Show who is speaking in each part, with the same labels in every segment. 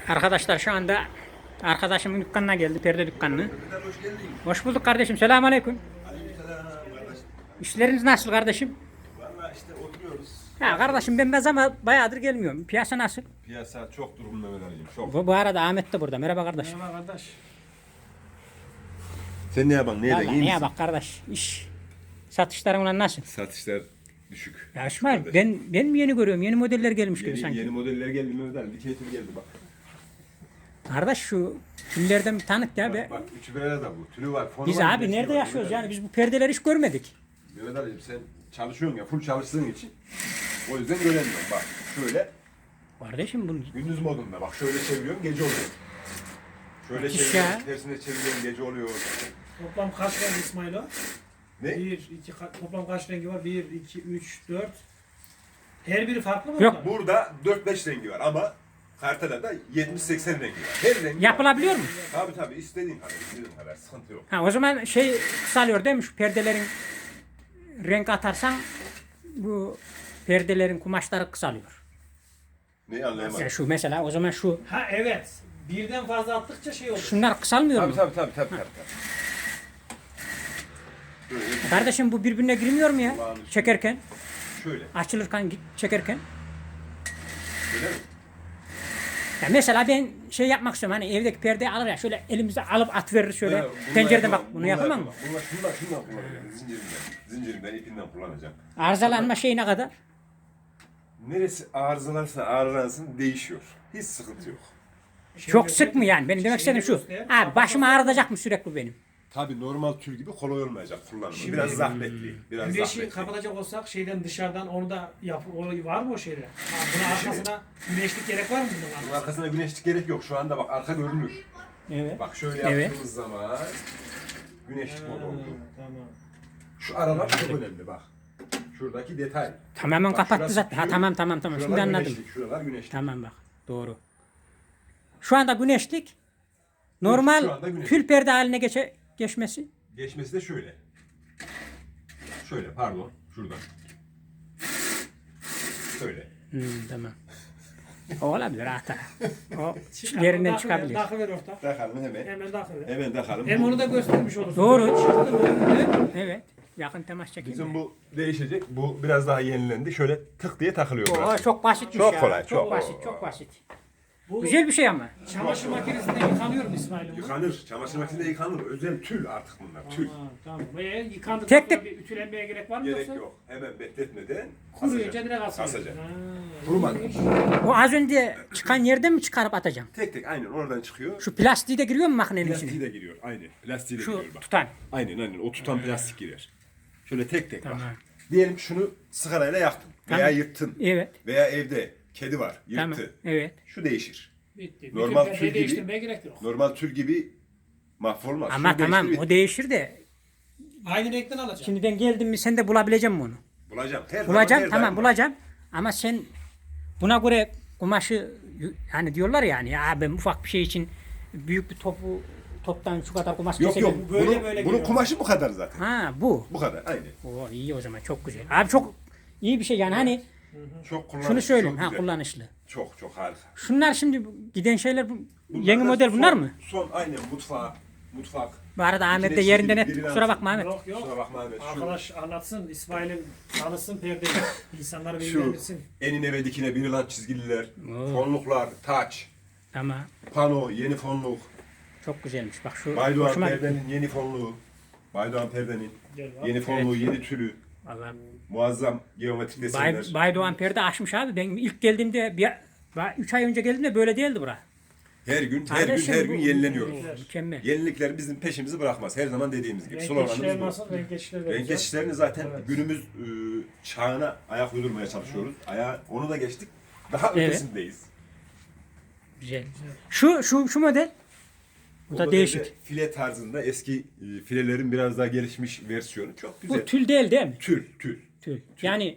Speaker 1: Arkadaşlar şu anda arkadaşımın dükkanına geldi, perde dükkanına. Hoş bulduk kardeşim. Selamünaleyküm. İşleriniz nasıl kardeşim?
Speaker 2: Vallahi işte oturuyoruz.
Speaker 1: Ya kardeşim ben ama bayağıdır gelmiyorum. Piyasa nasıl?
Speaker 2: Piyasa çok durumda önereyim. Çok.
Speaker 1: Bu arada Ahmet de burada. Merhaba kardeş.
Speaker 3: Merhaba kardeş.
Speaker 2: Sen ne yapan? Neyden?
Speaker 1: Vallahi
Speaker 2: İyi
Speaker 1: neye
Speaker 2: misin?
Speaker 1: bak kardeş. İş satışların ulan nasıl?
Speaker 2: Satışlar düşük.
Speaker 1: Ya İsmail ben mi yeni görüyorum? Yeni modeller gelmiş gibi
Speaker 2: Yeni,
Speaker 1: sanki.
Speaker 2: yeni modeller geldi Mehmet Ali. Bir keyifli geldi bak.
Speaker 1: Kardeş şu tüllerden bir tanık ya be.
Speaker 2: Bak üçü bir arada bu. Tülü var. Fonu
Speaker 1: Biz
Speaker 2: var,
Speaker 1: abi
Speaker 2: bir de
Speaker 1: nerede
Speaker 2: şey var.
Speaker 1: yaşıyoruz
Speaker 2: Mehmet
Speaker 1: yani? Biz bu perdeleri hiç görmedik.
Speaker 2: Ali. Mehmet Ali'cim sen çalışıyorsun ya. Full çalıştığın için. O yüzden göremiyorum. Bak şöyle.
Speaker 1: Kardeşim bunu
Speaker 2: Gündüz modunda. Bak şöyle çeviriyorum. Gece oluyor. Şöyle
Speaker 1: Müthiş
Speaker 2: çeviriyorum.
Speaker 1: ya.
Speaker 2: Tersine çeviriyorum. Gece oluyor.
Speaker 3: Toplam kaç renk İsmail o?
Speaker 2: Ne?
Speaker 3: 1, 2, toplam kaç rengi var? 1, 2, 3, 4. Her biri farklı mı?
Speaker 1: Yok.
Speaker 3: bunlar?
Speaker 2: Burada 4-5 rengi var ama Kartala'da 70-80 rengi var. Her rengi
Speaker 1: yapılabiliyor mu?
Speaker 2: var. Tabii istediğin kadar. İstediğin kadar. Sıkıntı yok.
Speaker 1: Ha o zaman şey kısalıyor değil mi? Şu perdelerin renk atarsan bu perdelerin kumaşları kısalıyor.
Speaker 2: Neyi anlayamadım.
Speaker 1: Ya şu mesela o zaman şu
Speaker 3: Ha evet. Birden fazla attıkça şey olur.
Speaker 1: şunlar kısalmıyor mu?
Speaker 2: Tabii. Böyle,
Speaker 1: Kardeşim bu birbirine girmiyor mu ya? Çekerken,
Speaker 2: şöyle.
Speaker 1: açılırken, çekerken.
Speaker 2: Öyle mi?
Speaker 1: Ya mesela ben şey yapmak istiyorum hani evdeki perdeyi alır ya şöyle elimize alıp at verir şöyle
Speaker 2: Ha, bunlar
Speaker 1: pencereden bak
Speaker 2: yapamam,
Speaker 1: bunu
Speaker 2: bunlar
Speaker 1: yapamam mı?
Speaker 2: Şundan kullanacağım. Zincirimden, ipinden kullanacağım.
Speaker 1: Arızalanma şeyi ne kadar?
Speaker 2: Neresi arızalarsa ağrılansın değişiyor. Hiç sıkıntı yok.
Speaker 1: Çok sık mı yani? Benim demek istediğim şu. Abi başım ağrıtacak mı sürekli benim?
Speaker 2: Tabii normal tül gibi kolay olmayacak kullanımı. Biraz zahmetli. Biraz
Speaker 3: Güneşi
Speaker 2: zahmetli.
Speaker 3: kapatacak olsak şeyden dışarıdan onu da var mı o şeyde? Ha, bunun arkasına güneşlik gerek var mı bunun
Speaker 2: Bunun
Speaker 3: arkasına?
Speaker 2: arkasına güneşlik gerek yok. Şu anda bak arka görünür.
Speaker 1: Evet.
Speaker 2: Bak şöyle
Speaker 1: Evet.
Speaker 2: yaptığımız zaman güneşlik modu oldu.
Speaker 3: Tamam.
Speaker 2: Şu aralar çok önemli bak. Şuradaki detay.
Speaker 1: Tamamen
Speaker 2: Bak
Speaker 1: kapattı
Speaker 2: şurası
Speaker 1: zaten. Ha
Speaker 2: tül,
Speaker 1: tamam.
Speaker 2: Şuralar
Speaker 1: Şimdi anladım.
Speaker 2: güneşlik, şuralar güneşlik.
Speaker 1: Tamam bak. Doğru. Şu anda güneşlik
Speaker 2: Şu
Speaker 1: normal
Speaker 2: anda güneşlik.
Speaker 1: tül perde haline geçmesi.
Speaker 2: Geçmesi de şöyle. Şöyle pardon. Şuradan. Şöyle.
Speaker 1: Tamam. O olabilir hata. O yerinden çıkabilir.
Speaker 3: Takıver ortak.
Speaker 2: Takalım hemen.
Speaker 3: Hemen takıver.
Speaker 2: Hemen takalım.
Speaker 3: Hem onu da göstermiş olursun.
Speaker 1: Doğru.
Speaker 3: Çıktı mı?
Speaker 1: Evet. Yakın temas çekeyim.
Speaker 2: Bizim bu değişecek. Bu biraz daha yenilendi. Şöyle tık diye takılıyor
Speaker 1: O
Speaker 2: burası.
Speaker 1: çok basitmiş
Speaker 2: Çok
Speaker 1: ya.
Speaker 2: kolay, çok.
Speaker 1: Çok basit.
Speaker 3: Bu
Speaker 1: Güzel bir şey ama.
Speaker 3: çamaşır makinesinde yıkanıyor mu İsmail'im? bu?
Speaker 2: Yıkanır. Çamaşır makinesinde yıkanır. Özel tül artık bunlar. Tül.
Speaker 3: Tamam. Ve yıkandıktan
Speaker 1: Tek
Speaker 3: sonra
Speaker 1: tek-
Speaker 3: bir ütülenmeye gerek var mı
Speaker 2: Gerek
Speaker 3: yoksa?
Speaker 2: yok. Hemen bekletmeden
Speaker 3: Kuruyunca direkt asılıyor.
Speaker 2: asacak.
Speaker 3: Ha,
Speaker 2: Kurumadı.
Speaker 1: O az önce çıkan yerden mi çıkarıp atacağım?
Speaker 2: Tek tek aynen oradan çıkıyor.
Speaker 1: Şu plastiği de giriyor mu makinenin
Speaker 2: Plastiği
Speaker 1: içine?
Speaker 2: de giriyor. Aynen. Plastiği de
Speaker 1: Şu
Speaker 2: giriyor bak.
Speaker 1: tutan.
Speaker 2: Aynen. O tutan plastik girer. Şöyle tek tek
Speaker 1: Tamam.
Speaker 2: bak. Diyelim şunu sigarayla yaktın. Veya
Speaker 1: Tamam.
Speaker 2: yırttın.
Speaker 1: Evet.
Speaker 2: Veya evde kedi var.
Speaker 1: Tamam.
Speaker 2: Yırttı.
Speaker 1: Evet.
Speaker 2: Şu değişir.
Speaker 3: bitti.
Speaker 2: Normal
Speaker 3: Bütün
Speaker 2: tül
Speaker 3: perdeyi
Speaker 2: gibi-
Speaker 3: değiştirmeye gerek yok.
Speaker 2: Normal tül gibi mahvolmaz.
Speaker 1: Ama
Speaker 2: Şunu
Speaker 1: tamam
Speaker 2: değiştir,
Speaker 1: o değişir de
Speaker 3: Aynı renkten alacağım.
Speaker 1: şimdi ben geldim mi sen de bulabilecek misin onu?
Speaker 2: bulacağım. Her
Speaker 1: Bulacağım
Speaker 2: zaman, her
Speaker 1: tamam
Speaker 2: daim var.
Speaker 1: bulacağım. Ama sen buna göre kumaşı hani diyorlar yani ya ben ufak bir şey için büyük bir toptan şu kadar kumaş
Speaker 2: Yok
Speaker 1: kesebilirim.
Speaker 2: yok.
Speaker 3: Böyle
Speaker 2: Bunun,
Speaker 3: böyle
Speaker 2: bunun
Speaker 3: geliyor.
Speaker 2: kumaşı bu kadar zaten.
Speaker 1: Ha bu.
Speaker 2: Bu kadar. Aynen.
Speaker 1: O iyi o zaman çok güzel. Abi çok iyi bir şey yani hani
Speaker 2: Çok kullanışlı.
Speaker 1: şunu söyleyeyim
Speaker 2: çok
Speaker 1: ha
Speaker 2: güzel.
Speaker 1: kullanışlı.
Speaker 2: Çok harika.
Speaker 1: Şunlar şimdi giden şeyler
Speaker 2: Bunlar
Speaker 1: yeni
Speaker 2: da
Speaker 1: model bunlar mı?
Speaker 2: Son aynen mutfak.
Speaker 1: Bu arada Ahmet de
Speaker 2: İçine
Speaker 1: yerinden
Speaker 2: çizgi,
Speaker 1: et.
Speaker 2: biri
Speaker 1: Kusura
Speaker 2: lazım.
Speaker 1: bakma Ahmet.
Speaker 3: Yok yok.
Speaker 2: Kusura bakma Ahmet. Şu,
Speaker 3: Arkadaş anlatsın. İsmail'in tanısın perdeyi. İnsanları
Speaker 2: şu
Speaker 3: bilgilendirsin.
Speaker 2: enine ve dikine bir lan çizgililer,
Speaker 1: Oo.
Speaker 2: fonluklar, taç,
Speaker 1: Tamam.
Speaker 2: pano, yeni fonluk,
Speaker 1: Çok güzelmiş. Bak şu
Speaker 2: Baydoğan
Speaker 1: hoşuma gitti.
Speaker 2: perdenin yeni fonluğu, Baydoğan perdenin
Speaker 3: Gel bak.
Speaker 2: yeni fonluğu, yeni tülü,
Speaker 1: Vallahi
Speaker 2: muazzam geometrik desenler.
Speaker 1: Baydoğan perde açmış abi. Ben ilk geldiğimde 3 ay önce geldiğimde böyle değildi bura.
Speaker 2: Her gün
Speaker 1: Kardeşim,
Speaker 2: her
Speaker 1: bu-
Speaker 2: gün yenileniyoruz.
Speaker 1: Mükemmel.
Speaker 2: Yenilikler bizim peşimizi bırakmaz. Her zaman dediğimiz gibi.
Speaker 3: Renk
Speaker 2: Sloganımız
Speaker 3: geçişler
Speaker 2: bu.
Speaker 3: nasıl? Renk geçişleri
Speaker 2: Renk
Speaker 3: vereceğiz.
Speaker 2: geçişlerini zaten
Speaker 3: Evet.
Speaker 2: günümüz çağına ayak uydurmaya çalışıyoruz. Onu da geçtik. Daha
Speaker 1: Evet.
Speaker 2: ötesindeyiz.
Speaker 1: Güzel. Şu model. Bu da
Speaker 2: modelde
Speaker 1: değişik.
Speaker 2: File tarzında eski filelerin biraz daha gelişmiş versiyonu. Çok güzel.
Speaker 1: Bu tül değil mi?
Speaker 2: Tül.
Speaker 1: Tül. Yani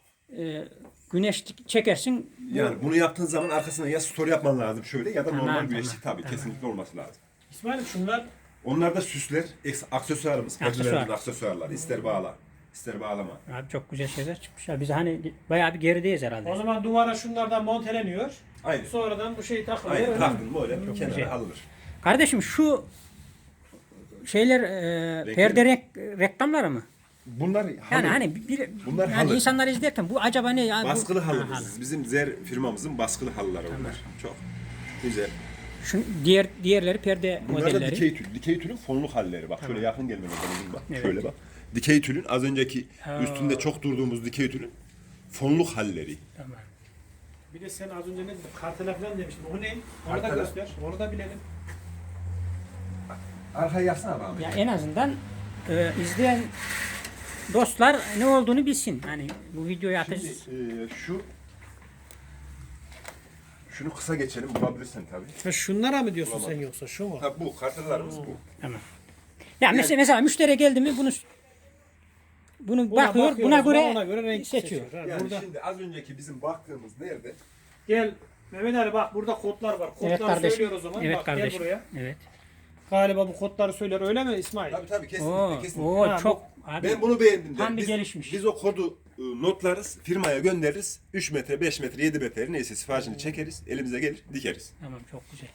Speaker 1: güneşlik çekersin.
Speaker 2: Yani bunu yaptığın zaman arkasına ya story yapman lazım şöyle ya da
Speaker 1: Tamam,
Speaker 2: normal güneşlik
Speaker 1: tamam,
Speaker 2: tabii kesinlikle olması lazım.
Speaker 3: İsmail şunlar
Speaker 2: Onlar da süsler, aksesuarımız.
Speaker 1: Aksesuar.
Speaker 2: Perdelerin aksesuarları. İster bağla, ister bağlama.
Speaker 1: Abi çok güzel şeyler çıkmışlar. Biz hani bayağı bir gerideyiz herhalde.
Speaker 3: o zaman duvara şunlardan monteleniyor.
Speaker 2: Aynen.
Speaker 3: Sonradan bu şey takılıyor.
Speaker 2: Aynen.
Speaker 3: öyle mi?
Speaker 2: Taktın mı öyle
Speaker 1: güzel.
Speaker 2: kenara alınır.
Speaker 1: Kardeşim şu şeyler perde reklamları mı?
Speaker 2: Bunlar
Speaker 1: Yani
Speaker 2: halı.
Speaker 1: hani
Speaker 2: Bunlar
Speaker 1: yani
Speaker 2: halı.
Speaker 1: insanlar izlerken bu acaba ne ya?
Speaker 2: Baskılı
Speaker 1: Ha,
Speaker 2: halımız.
Speaker 1: halı.
Speaker 2: Bizim Zer firmamızın baskılı halıları bunlar. Çok güzel.
Speaker 1: Şu diğerleri perde
Speaker 2: Bunlar da
Speaker 1: modelleri.
Speaker 2: dikey tül. Dikey tülün fonluk halleri. Bak şöyle yakın gelmene lazım bak.
Speaker 1: Evet.
Speaker 2: Şöyle bak. Dikey tülün az önceki
Speaker 1: Ha.
Speaker 2: üstünde çok durduğumuz dikey tülün fonluk halleri.
Speaker 1: Tamam.
Speaker 3: Bir de sen az önce ne dedin? Kartela falan demiştin. O ne? Onu da
Speaker 2: Kartela.
Speaker 3: göster. Onu da bilelim.
Speaker 2: Arkaya yaksana bana.
Speaker 1: Ya en azından izleyen dostlar ne olduğunu bilsin. Hani bu videoyu atacağız.
Speaker 2: Şimdi şunu kısa geçelim bulabilirsin tabii.
Speaker 3: Ha, şunlara mı diyorsun
Speaker 2: Bulamadım.
Speaker 3: sen yoksa şu mu?
Speaker 2: Ha bu kartlarımız bu.
Speaker 1: Tamam. Ya mesela müşteri geldi mi bunu
Speaker 3: Buna
Speaker 1: bakıyor,
Speaker 3: bakıyoruz,
Speaker 1: buna göre,
Speaker 3: ona göre renk
Speaker 1: seçiyor.
Speaker 3: seçiyor. Ha,
Speaker 2: Yani
Speaker 3: burada
Speaker 2: şimdi az önceki bizim baktığımız nerede?
Speaker 3: gel Mehmet Ali bak burada kodlar var. Kodları
Speaker 1: Evet kardeşim.
Speaker 3: söylüyor o zaman.
Speaker 1: Evet
Speaker 3: bak
Speaker 1: kardeşim.
Speaker 3: gel buraya.
Speaker 1: Evet.
Speaker 3: Galiba bu kodları söyler öyle mi İsmail?
Speaker 2: Tabii kesinlikle
Speaker 1: Oo,
Speaker 2: kesinlikle.
Speaker 1: oo
Speaker 3: Ha,
Speaker 1: çok abi.
Speaker 2: Ben bunu beğendim.
Speaker 1: Tam bir
Speaker 2: Biz-
Speaker 1: gelişmiş.
Speaker 2: Biz o kodu notlarız, firmaya göndeririz. 3 metre, 5 metre, 7 metre neyse siparişini çekeriz, elimize gelir, dikeriz.
Speaker 1: Tamam çok güzel.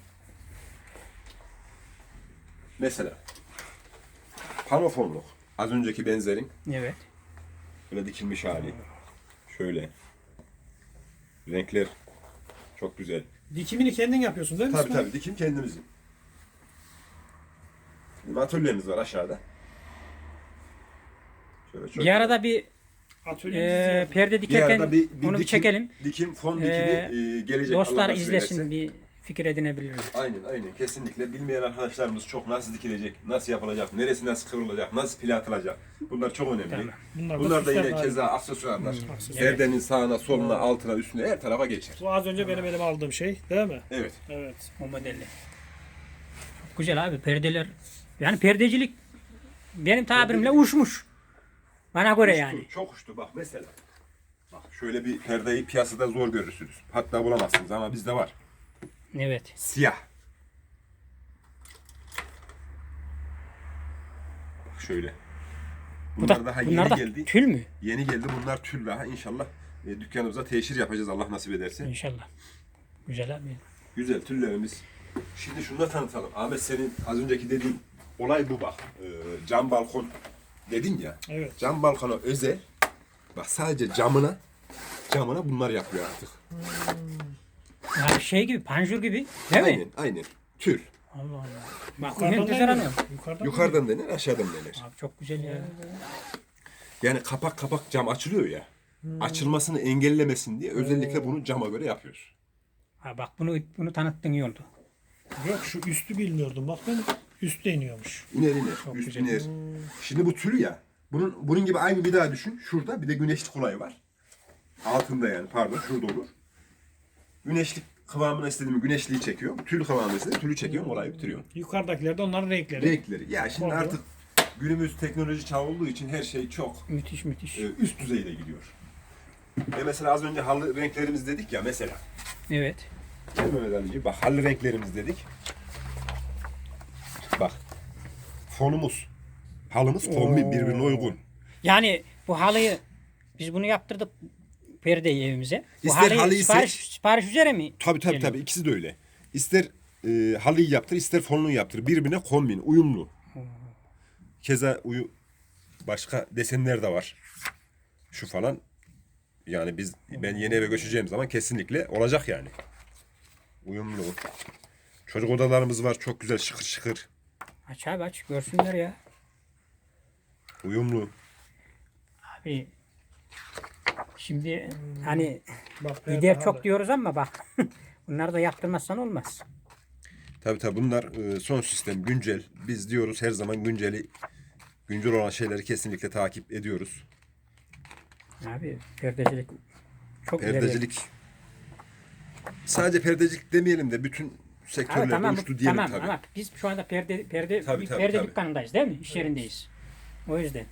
Speaker 2: Mesela panofonluk. Az önceki benzerin
Speaker 1: Evet.
Speaker 2: böyle dikilmiş hali. Şöyle. Renkler çok güzel.
Speaker 3: Dikimini kendin yapıyorsun değil mi
Speaker 2: Tabii
Speaker 3: İsmail?
Speaker 2: tabii dikim kendimizin. Bizim atölyemiz var aşağıda. Şöyle çok
Speaker 1: Bir arada bir
Speaker 3: Atölyemiz
Speaker 1: perde
Speaker 2: bir
Speaker 1: dikerken
Speaker 2: arada
Speaker 1: onu bir çekelim.
Speaker 2: Dikim, fon dikimi gelecek.
Speaker 1: Dostlar
Speaker 2: Allah nasip
Speaker 1: izlesin,
Speaker 2: ederse.
Speaker 1: bir fikir edinebilirler.
Speaker 2: Aynen kesinlikle. Bilmeyen arkadaşlarımız çok nasıl dikilecek, nasıl yapılacak, neresi nasıl kıvrılacak, nasıl pil atılacak. Bunlar çok önemli.
Speaker 1: Tamam.
Speaker 3: süsler
Speaker 2: Bunlar da yine
Speaker 3: hali.
Speaker 2: keza aksesuarlar.
Speaker 3: Aksesuar.
Speaker 2: Perdenin sağına, soluna, altına, üstüne her tarafa geçer.
Speaker 3: Bu az önce benim elime aldığım şey değil mi?
Speaker 2: Evet.
Speaker 3: Evet.
Speaker 1: O modelli. Çok güzel abi perdeler. Yani perdecilik benim tabirimle uçmuş. Bana göre yani.
Speaker 2: Çok uçtu bak mesela. Bak şöyle bir perdeyi piyasada zor görürsünüz. Hatta bulamazsınız ama bizde var.
Speaker 1: Evet.
Speaker 2: Siyah. Bak şöyle. Bunlar daha
Speaker 1: bunlar
Speaker 2: yeni
Speaker 1: da
Speaker 2: geldi.
Speaker 1: tül mü?
Speaker 2: Yeni geldi. Bunlar tül daha. İnşallah dükkanımıza teşhir yapacağız Allah nasip ederse.
Speaker 1: İnşallah. Güzel abi.
Speaker 2: Güzel tüllerimiz. Şimdi şunu da tanıtalım. Ahmet senin az önceki dediğin olay bu bak. Cam balkon dedin ya.
Speaker 3: Evet.
Speaker 2: Cam balkona özel. Bak sadece camına bunlar yapıyor artık.
Speaker 1: Ya şey gibi, panjur gibi. Değil mi?
Speaker 2: Aynen. Tül.
Speaker 1: Allah Allah. Bak
Speaker 3: Yukarıdan
Speaker 1: enteresan
Speaker 3: deniyor.
Speaker 1: o.
Speaker 2: Yukarıdan denir, aşağıdan denir.
Speaker 1: Abi çok güzel ya.
Speaker 2: Yani kapak cam açılıyor ya. Açılmasını engellemesin diye özellikle bunu cama göre yapıyoruz.
Speaker 1: Ha bak bunu tanıttın iyi oldu.
Speaker 3: Yok şu üstü bilmiyordum. Bak ben üstte iniyormuş.
Speaker 2: İner, üst
Speaker 1: güzel.
Speaker 2: iner. Şimdi bu tül ya. Bunun gibi aynı bir daha düşün. Şurada bir de güneşlik olayı var. Altında yani pardon şurada olur. Güneşlik kıvamına istediğimi güneşliği çekiyor. Tül kıvamına istediğimi tülü çekiyorum. Olayı bitiriyorum.
Speaker 3: Yukarıdakiler de onların renkleri.
Speaker 2: Renkleri. Ya şimdi
Speaker 3: Oluyor.
Speaker 2: artık günümüz teknoloji çağı olduğu için her şey çok
Speaker 1: Müthiş müthiş.
Speaker 2: üst düzeyde gidiyor. Mesela az önce halı renklerimiz dedik ya mesela.
Speaker 1: Evet.
Speaker 2: Değil mi Mehmet Ali'ciğim? Bak halı renklerimiz dedik. Bak. Fonumuz. Halımız kombin birbirine uygun.
Speaker 1: Yani bu halıyı biz bunu yaptırdık perdeyi evimize. Bu
Speaker 2: İster
Speaker 1: halıyı
Speaker 2: halıyı
Speaker 1: sipariş üzere mi?
Speaker 2: Tabii
Speaker 1: geliyor?
Speaker 2: tabii ikisi de öyle. İster halıyı yaptır ister fonunu yaptır. Birbirine kombin, uyumlu. Keza başka desenler de var. Şu falan. Yani ben yeni eve göçeceğim zaman kesinlikle olacak yani. Uyumlu. Çocuk odalarımız var çok güzel şıkır şıkır.
Speaker 1: Aç abi aç görsünler ya.
Speaker 2: Uyumlu.
Speaker 1: Abi şimdi hani
Speaker 3: Bak,
Speaker 1: gider
Speaker 3: halı.
Speaker 1: çok diyoruz ama bak bunları da yaptırmazsan olmaz.
Speaker 2: Tabii bunlar son sistem güncel. Biz diyoruz her zaman güncel olan şeyleri kesinlikle takip ediyoruz.
Speaker 1: Abi perdecilik çok ileri.
Speaker 2: Perdecilik sadece perdecilik demeyelim de bütün
Speaker 1: Abi,
Speaker 2: sektörlerde
Speaker 1: tamam,
Speaker 2: uçtu diyelim
Speaker 1: tamam
Speaker 2: tabii.
Speaker 1: ama biz şu anda
Speaker 2: Tabii,
Speaker 1: bir
Speaker 2: tabii,
Speaker 1: perde
Speaker 2: tabii.
Speaker 1: dükkanındayız değil mi? İş yerindeyiz. O yüzden.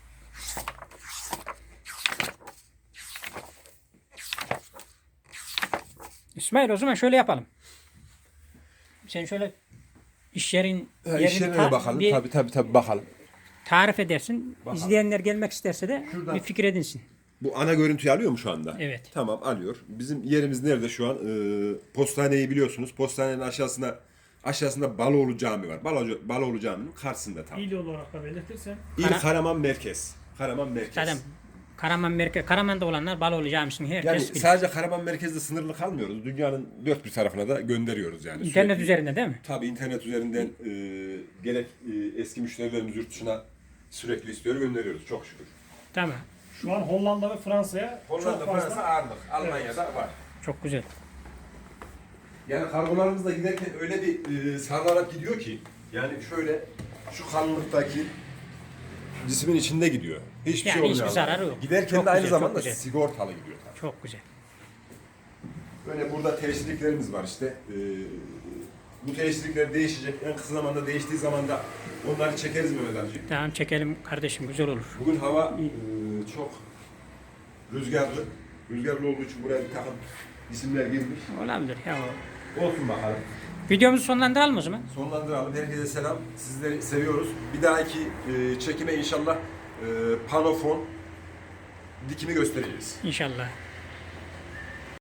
Speaker 1: İsmail o zaman şöyle yapalım. Sen şöyle iş yerin
Speaker 2: İş yerine de bakalım. Tabii bakalım.
Speaker 1: tarif edersin.
Speaker 2: Bakalım.
Speaker 1: İzleyenler gelmek isterse de
Speaker 2: Şuradan-
Speaker 1: bir fikir edinsin.
Speaker 2: Bu ana görüntüyü alıyor mu şu anda?
Speaker 1: Evet.
Speaker 2: Tamam, alıyor. Bizim yerimiz nerede şu an? Postaneyi biliyorsunuz. Postanenin aşağısında Baloğlu Cami var. Baloğlu Cami'nin karşısında tam.
Speaker 3: İl olarak da belirtirsen.
Speaker 2: İl Karaman Merkez. Karaman Merkez.
Speaker 1: Zaten Karaman'da olanlar Baloğlu Camii'sini herkes
Speaker 2: Yani
Speaker 1: bilir.
Speaker 2: sadece Karaman Merkez'de sınırlı kalmıyoruz. Dünyanın dört bir tarafına da gönderiyoruz yani.
Speaker 1: İnternet
Speaker 2: Sürekli.
Speaker 1: üzerinde değil mi?
Speaker 2: Tabii internet üzerinden gerek eski müşterilerimiz yurt dışına sürekli istiyor, gönderiyoruz çok şükür.
Speaker 1: Tamam.
Speaker 3: Şu an Hollanda ve Fransa'ya
Speaker 2: Hollanda,
Speaker 3: çok fazla.
Speaker 2: Fransa ağırlık. Almanya'da var.
Speaker 1: Çok güzel.
Speaker 2: Yani kargolarımız da giderken öyle bir sarılarak gidiyor ki yani şöyle şu kalınlıktaki cismin içinde gidiyor. Hiçbir
Speaker 1: Yani
Speaker 2: şey olmuyor.
Speaker 1: hiçbir
Speaker 2: Allah'tan.
Speaker 1: zararı yok.
Speaker 2: Giderken
Speaker 1: Çok
Speaker 2: de aynı
Speaker 1: güzel, çok
Speaker 2: zamanda
Speaker 1: güzel.
Speaker 2: sigortalı gidiyor tabii.
Speaker 1: Çok güzel.
Speaker 2: Böyle burada teşviklerimiz var işte. Bu teşvikler değişecek. En kısa zamanda değiştiği zaman da onları çekeriz Mehmet amcığım.
Speaker 1: Tamam çekelim kardeşim, güzel olur.
Speaker 2: Bugün hava çok rüzgarlı. Rüzgarlı olduğu için buraya bir takım isimler girmiş.
Speaker 1: Olabilir ya.
Speaker 2: Olsun bakalım.
Speaker 1: Videomuzu sonlandıralım o zaman.
Speaker 2: Sonlandıralım. Herkese selam. Sizleri seviyoruz. Bir dahaki çekime inşallah panofon dikimi göstereceğiz.
Speaker 1: İnşallah.